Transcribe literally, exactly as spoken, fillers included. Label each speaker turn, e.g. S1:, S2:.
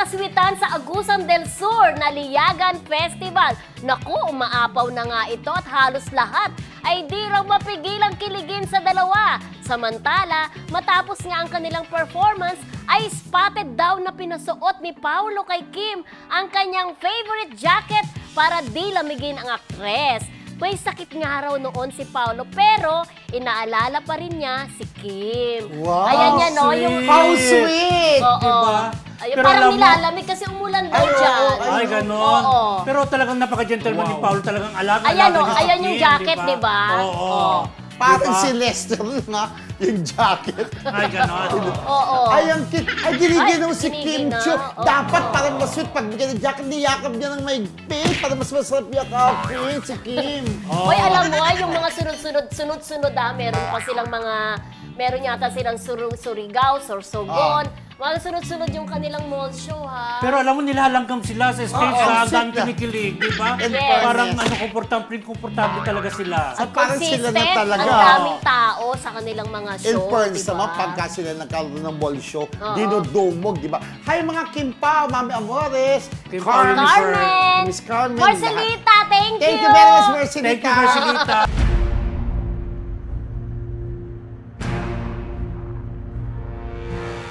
S1: aswitan sa Agusan del Sur na Liyagan Festival. Naku, umaapaw na nga ito at halos lahat ay di raw mapigilang kiligin sa dalawa. Samantala, matapos nga ang kanilang performance, ay spotted daw na pinasuot ni Paolo kay Kim ang kanyang favorite jacket para di lamigin ang aktres. May sakit nga raw noon si Paolo pero inaalala pa rin niya si Kim.
S2: Wow,
S1: Ayan niya, no?
S2: sweet.
S1: Yung
S2: How sweet!
S1: Oo.
S3: Diba?
S1: Ayun,
S3: Pero
S1: parang
S3: alam mo-
S1: nilalamig kasi umulan daw
S2: Ay, oo,
S1: dyan.
S2: ay,
S3: Ay, ganon.
S1: Oo.
S3: Pero talagang napaka-gentleman ni
S2: Wow.
S3: Paolo. Talagang alaga.
S1: Ayan,
S3: alaga
S1: oh,
S3: niya sa
S1: ayan yung
S3: Kim,
S1: jacket, di ba?
S3: Oo.
S1: Oo.
S2: Parang
S3: Diba?
S2: si Lester nga, yung jacket.
S3: Ay, ganon.
S1: Oo.
S2: Ay, ang cute. Ay, giniginaw
S1: Ay,
S2: si Kim
S1: giniginaw.
S2: Chiu.
S1: Oo.
S2: Dapat parang masweet pag bigyan ng jacket, niyakap niya ng maigpit para mas masarap yakapin si Kim.
S1: Hoy, alam mo, ah, yung mga sunod-sunod, sunod-sunod ah, meron pa silang mga, meron yata silang sur Surigao, Sorsogon. Mga sunod-sunod yung kanilang mall show, ha?
S3: Pero alam mo, nilalanggam sila sa stage
S2: Oo,
S3: sa
S2: ang
S3: hanggang
S2: sweet na.
S3: kinikilig, di ba?
S2: And
S1: Yes.
S3: Parang
S2: fairness.
S3: ano, komportable, komportable talaga sila.
S2: At parang sila na
S1: Consistent,
S2: talaga.
S1: ang daming tao sa kanilang mga
S2: In
S1: show,
S2: fairness
S1: diba?
S2: naman, pagka sila nagkaroon ng ball show,
S1: Oo.
S2: dinudumog, di ba? Hi mga Kim Pao, Mami Amores,
S3: Kim
S2: Carmen,
S3: Pao,
S1: Carmen!
S2: Miss Carmen.
S1: Marcelita, thank you!
S2: Thank you very much, Marcelita.
S3: Thank you, Marcelita.